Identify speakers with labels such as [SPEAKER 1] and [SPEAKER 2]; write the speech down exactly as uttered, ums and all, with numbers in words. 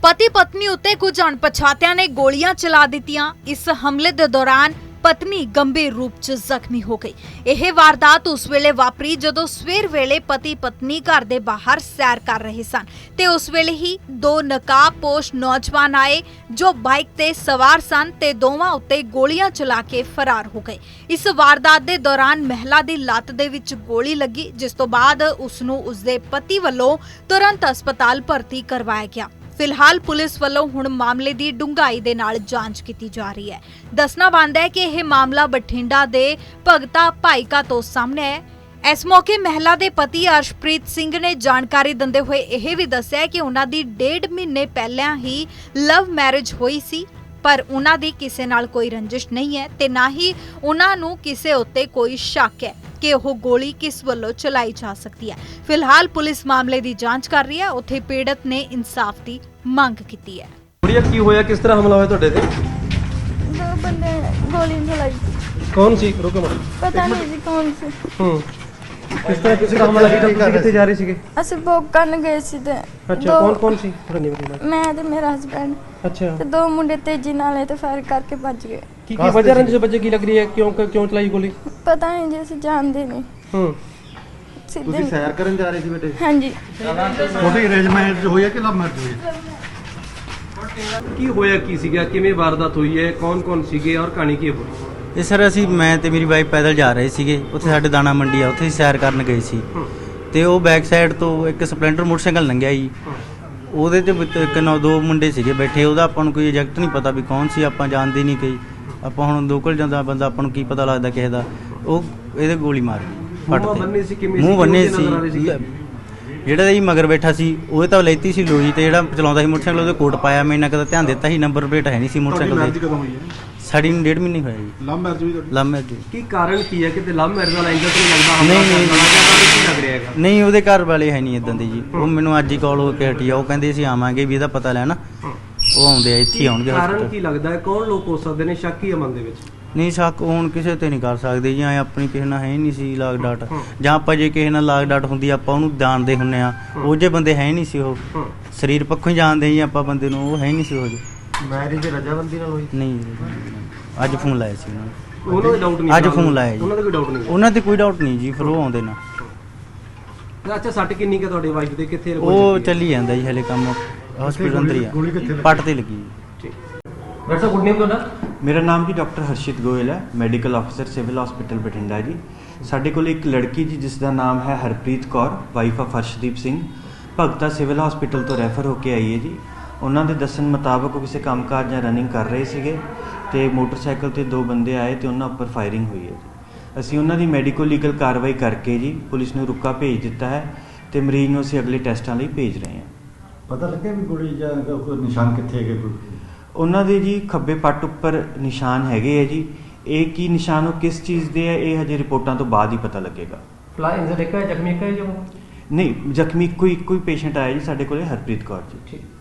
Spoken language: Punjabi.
[SPEAKER 1] पति पत्नी उत्ते कुछ अणपछातियां ने गोलियां चला दित्तियां। इस हमले दे दौरान पत्नी गंभीर रूप च जख्मी हो गई। यह वारदात उस वेले वापरी जदों सवेर वेले पति पत्नी घर दे बाहर सैर कर रहे सन ते उस वेले ही दो नकाबपोश नौजवान आए जो बाइक ते सवार सन ते दोवां उत्ते गोलियां चला के फरार हो गए। इस वारदात दे दौरान महिला दी लत्त दे विच गोली लगी, जिस तो बाद उसनूं उसदे पति वल्लों तुरंत अस्पताल भर्ती करवाया गया। फिलहाल पुलिस वालों हुण मामले की डूंघाई दे नाल जांच की जा रही है। दसना बनदा है कि यह मामला बठिंडा दे भगता भाईका तो सामने है। इस मौके महिला दे पति अर्शप्रीत सिंह ने जानकारी दिंदे हुए यह भी दस्सिया कि उन्हां दी डेढ़ महीने पहलां ही लव मैरिज हुई सी, पर उन्हां दी किसे नाल कोई रंजिश नहीं है ते ना ही उन्हां नूं किसे उत्ते कोई शक है कि वह गोली किस वल्लों चलाई जा सकती है। फिलहाल पुलिस मामले की जांच कर रही है। उत्थे पीड़ित ने इंसाफ की मांग की है।
[SPEAKER 2] कुड़िया की होया, किस तरह हमला होया ਤੁਹਾਡੇ ਤੇ?
[SPEAKER 3] दो बंदे गोली चलाई।
[SPEAKER 2] कौन सी? रुको मत।
[SPEAKER 3] पता नहीं जी कौन सी।
[SPEAKER 2] हम्म किस तरह किस तरह हमला ਕੀਤਾ? ਤੁਸੀਂ ਕਿੱਥੇ ਜਾ ਰਹੇ ਸੀਗੇ?
[SPEAKER 3] ਅਸੀਂ ਵੋਕ ਕਰਨ ਗਏ ਸੀ ਤੇ
[SPEAKER 2] ਅੱਛਾ, ਕੌਣ ਕੌਣ ਸੀ? ਥੋੜਾ ਨਹੀਂ ਬਤਾਨਾ।
[SPEAKER 3] ਮੈਂ ਤੇ ਮੇਰਾ ਹਸਬੈਂਡ
[SPEAKER 2] ਅੱਛਾ,
[SPEAKER 3] ਤੇ ਦੋ ਮੁੰਡੇ ਤੇਜ਼ੀ ਨਾਲ ਤੇ ਫਾਇਰ ਕਰਕੇ ਭੱਜ ਗਏ।
[SPEAKER 2] ਕੀ ਕੀ ਵਜ੍ਹਾ ਰੰਜ ਬੱਚੇ ਕੀ ਲੱਗ ਰਹੀ ਹੈ? ਕਿਉਂ ਕਿਉਂ ਚਲਾਈ ਗੋਲੀ?
[SPEAKER 3] ਪਤਾ ਨਹੀਂ ਜੀ, ਅਸੀਂ ਜਾਣਦੇ ਨਹੀਂ।
[SPEAKER 2] ਹੂੰ
[SPEAKER 3] ਸਿੱਧੇ
[SPEAKER 4] ਤੁਸੀਂ ਸੈਰ ਕਰਨ ਜਾ ਰਹੇ ਸੀ ਬੇਟੇ?
[SPEAKER 3] ਹਾਂਜੀ।
[SPEAKER 4] ਤੁਹਾਡੀ ਅਰੇਂਜਮੈਂਟ ਹੋਈ ਹੈ ਕਿ ਲਵ ਮੈਰਿਜ ਹੋਈ ਹੈ?
[SPEAKER 2] ਕੀ ਹੋਇਆ, ਕੀ ਸੀਗਾ, ਕਿਵੇਂ ਵਾਰਦਾਤ ਹੋਈ ਹੈ, ਕੌਣ ਕੌਣ ਸੀਗੇ ਔਰ ਕਹਾਣੀ ਕੀ ਹੋਈ?
[SPEAKER 5] ਇਹ ਸਰ ਅਸੀਂ ਮੈਂ ਤੇ ਮੇਰੀ ਵਾਈਫ ਪੈਦਲ ਜਾ ਰਹੇ ਸੀਗੇ। ਉੱਥੇ ਸਾਡੇ ਦਾਣਾ ਮੰਡੀ ਆ, ਉੱਥੇ ਸੈਰ ਕਰਨ ਗਏ ਸੀ ਤੇ ਉਹ ਬੈਕ ਸਾਈਡ ਤੋਂ ਇੱਕ ਸਪਲੈਂਡਰ ਮੋਟਰਸਾਈਕਲ ਲੰਘਿਆ ਜੀ। ਉਹਦੇ ਤੇ ਵਿੱਚ ਇੱਕ ਨੌ ਦੋ ਮੁੰਡੇ ਸੀਗੇ ਬੈਠੇ। ਉਹਦਾ ਆਪਾਂ ਨੂੰ ਕੋਈ ਐਗਜ਼ੈਕਟ ਨਹੀਂ ਪਤਾ ਵੀ ਕੌਣ ਸੀ, ਆਪਾਂ ਜਾਣਦੇ ਨਹੀਂ ਕੋਈ। ਆਪਾਂ ਹੁਣ ਲੋਕਲ ਜਾਂਦਾ ਬੰਦਾ, ਆਪਾਂ ਨੂੰ ਕੀ ਪਤਾ ਲੱਗਦਾ ਕਿਸੇ ਦਾ। ਉਹ ਇਹਦੇ ਗੋਲੀ ਮਾਰ ਗਈ ਫੱਟ ਤੇ। ਮੂੰਹ ਬੰਨੇ ਸੀ। ਜਿਹੜਾ ਜੀ ਮਗਰ ਬੈਠਾ ਸੀ ਉਹਦੇ ਤਾਂ ਲੈਤੀ ਸੀ ਲੋਈ, ਤੇ ਜਿਹੜਾ ਚਲਾਉਂਦਾ ਸੀ ਮੋਟਰਸਾਈਕਲ ਉਹਦੇ ਕੋਟ ਪਾਇਆ। ਮੈਂ ਇੰਨਾ ਕਦਾ ਧਿਆਨ ਦਿੱਤਾ ਸੀ, ਨੰਬਰ ਪਲੇਟ ਹੈ ਨਹੀਂ ਸੀ ਮੋਟਰਸਾਈਕਲ ਦੇ।
[SPEAKER 4] ਕਦੋਂ ਹੋਈ ਹੈ?
[SPEAKER 5] ਸਾਡੀ ਨੂੰ ਡੇਢ ਮਹੀਨੇ ਹੋਇਆ ਜੀ।
[SPEAKER 4] ਲਵ ਮੈਰਿਜ ਹੋਈ ਤੁਹਾਡੀ?
[SPEAKER 5] Love marriage.
[SPEAKER 2] ਕੀ ਕਾਰਨ ਕੀ ਹੈ? ਕਿਤੇ ਲਵ ਮੈਰਿਜ ਵਾਲਾ ਇੰਜਨ ਨਹੀਂ ਲੱਗਦਾ?
[SPEAKER 5] ਨਹੀਂ, ਨਹੀਂ।
[SPEAKER 2] ਕੀ ਲੱਗ ਰਿਹਾ ਹੈਗਾ?
[SPEAKER 5] ਨਹੀਂ, ਉਹਦੇ ਘਰ ਵਾਲੇ ਹੈ ਨਹੀਂ ਇਦਾਂ ਦੇ ਜੀ। ਉਹ ਮੈਨੂੰ ਅੱਜ ਹੀ ਕਾਲ ਹੋ ਕੇ ਹਟੀ ਆ। ਉਹ ਕਹਿੰਦੇ ਅਸੀਂ ਆਵਾਂਗੇ ਵੀ ਇਹਦਾ ਪਤਾ ਲੈਣਾ। ਉਹ ਆਉਂਦੇ ਆ, ਇੱਥੇ ਹੀ ਆਉਣਗੇ।
[SPEAKER 2] ਕਾਰਨ ਕੀ ਲੱਗਦਾ ਹੈ? ਕੌਣ ਲੋਕ ਹੋ ਸਕਦੇ ਨੇ? ਸ਼ੱਕ ਹੀ ਹੈ ਮਨ ਦੇ ਵਿੱਚ?
[SPEAKER 5] ਨਹੀਂ, ਸ਼ੱਕ ਹੁਣ ਕਿਸੇ ਤੇ ਨਹੀਂ ਕਰ ਸਕਦੇ ਜੀ। ਐਂ ਆਪਣੀ ਕਿਸੇ ਨਾਲ ਹੈ ਹੀ ਨਹੀਂ ਸੀ ਲਾਗ ਡਾਟ, ਜਾਂ ਆਪਾਂ ਜੇ ਕਿਸੇ ਨਾਲ ਲਾਗ ਡਾਟ ਹੁੰਦੀ ਆਪਾਂ ਉਹਨੂੰ ਜਾਣਦੇ ਹੁੰਨੇ ਆ। ਉਹ ਜੇ ਬੰਦੇ ਹੈ ਹੀ ਨਹੀਂ ਸੀ। ਉਹ ਸਰੀਰ ਪੱਖੋਂ ਹੀ ਜਾਣਦੇ ਜੀ ਆਪਾਂ ਬੰਦੇ ਨੂੰ। ਉਹ ਹੈ ਹੀ ਨਹੀਂ ਸੀ ਉਹ ਜੀ।
[SPEAKER 4] ਮੈਰਿਜ ਰਜਾਬੰਦੀ ਨਾਲ ਹੋਈ?
[SPEAKER 5] ਨਹੀਂ, ਅੱਜ ਫੋਨ ਲਾਇਆ ਸੀ ਉਹਨਾਂ ਨੇ।
[SPEAKER 2] ਉਹਨਾਂ ਦਾ ਡਾਊਟ ਨਹੀਂ?
[SPEAKER 5] ਅੱਜ ਫੋਨ ਲਾਇਆ ਜੀ।
[SPEAKER 2] ਉਹਨਾਂ ਦਾ ਕੋਈ ਡਾਊਟ ਨਹੀਂ?
[SPEAKER 5] ਉਹਨਾਂ ਤੇ ਕੋਈ ਡਾਊਟ ਨਹੀਂ ਜੀ। ਫਿਰ ਉਹ ਆਉਂਦੇ ਨਾ।
[SPEAKER 2] ਅੱਛਾ, ਸੱਟ ਕਿੰਨੀ ਕਿ ਤੁਹਾਡੀ ਵਾਈਫ ਦੇ? ਕਿੱਥੇ
[SPEAKER 5] ਉਹ ਚੱਲੀ ਜਾਂਦਾ ਜੀ ਹਲੇ ਕੰਮ। ਹਸਪੀਟਲ ਅੰਦਰ ਹੀ ਆ।
[SPEAKER 4] ਗੋਲੀ ਕਿੱਥੇ ਲੱਗੀ?
[SPEAKER 5] ਪੱਟ ਤੇ ਲੱਗੀ ਜੀ।
[SPEAKER 2] ਠੀਕ। ਡਾਕਟਰ ਸਾਹਿਬ, ਗੁੱਡ ਨੇਮ ਤੁਹਾਡਾ?
[SPEAKER 6] ਮੇਰਾ ਨਾਮ ਜੀ ਡਾਕਟਰ ਹਰਸ਼ਿਤ ਗੋਇਲ ਹੈ, ਮੈਡੀਕਲ ਅਫਸਰ ਸਿਵਲ ਹਸਪੀਟਲ ਬਠਿੰਡਾ ਜੀ। ਸਾਡੇ ਕੋਲ ਇੱਕ ਲੜਕੀ ਜੀ ਜਿਸ ਦਾ ਨਾਮ ਹੈ Harpreet Kaur, wife of Harshdeep Singh, Bhagta civil hospital ਤੋਂ ਰੈਫਰ ਹੋ ਕੇ ਆਈ ਹੈ ਜੀ। ਉਹਨਾਂ ਦੇ ਦੱਸਣ ਮੁਤਾਬਕ ਉਹ ਕਿਸੇ ਕੰਮਕਾਜ ਜਾਂ ਰਨਿੰਗ ਕਰ ਰਹੇ ਸੀਗੇ ਤੇ ਮੋਟਰਸਾਈਕਲ ਤੇ ਦੋ ਬੰਦੇ ਆਏ ਤੇ ਉਹਨਾਂ ਉੱਪਰ ਫਾਇਰਿੰਗ ਹੋਈ ਹੈ ਜੀ। ਅਸੀਂ ਉਹਨਾਂ ਦੀ ਮੈਡੀਕੋ ਲੀਗਲ ਕਾਰਵਾਈ ਕਰਕੇ ਜੀ ਪੁਲਿਸ ਨੂੰ ਰੁਕਾ ਭੇਜ ਦਿੱਤਾ ਹੈ ਤੇ ਮਰੀਜ਼ ਨੂੰ ਅਸੀਂ ਅਗਲੇ ਟੈਸਟਾਂ ਲਈ ਭੇਜ ਰਹੇ ਹਾਂ।
[SPEAKER 4] ਪਤਾ ਲੱਗਿਆ ਵੀ ਗੋਲੀ ਜਾਂ ਕੋਈ ਨਿਸ਼ਾਨ ਕਿੱਥੇ ਹੈਗੇ? ਕੋਈ
[SPEAKER 6] ਉਹਨਾਂ ਦੇ ਜੀ ਖੱਬੇ ਪੱਟ ਉੱਪਰ ਨਿਸ਼ਾਨ ਹੈਗੇ ਹੈ ਜੀ। ਇਹ ਕੀ ਨਿਸ਼ਾਨ, ਉਹ ਕਿਸ ਚੀਜ਼ ਦੇ ਹੈ, ਇਹ ਹਜੇ ਰਿਪੋਰਟਾਂ ਤੋਂ ਬਾਅਦ ਹੀ ਪਤਾ ਲੱਗੇਗਾ।
[SPEAKER 2] ਫਲਾਈ ਇੰਜਰ ਇੱਕ ਹੈ, ਜ਼ਖਮੀ ਇੱਕ ਹੈ ਜੋ?
[SPEAKER 6] ਨਹੀਂ, ਜ਼ਖਮੀ ਕੋਈ ਕੋਈ ਪੇਸ਼ੈਂਟ ਆਇਆ ਜੀ ਸਾਡੇ ਕੋਲੇ, ਹਰਪ੍ਰੀਤ ਕੌਰ ਜੀ।
[SPEAKER 2] ਠੀਕ।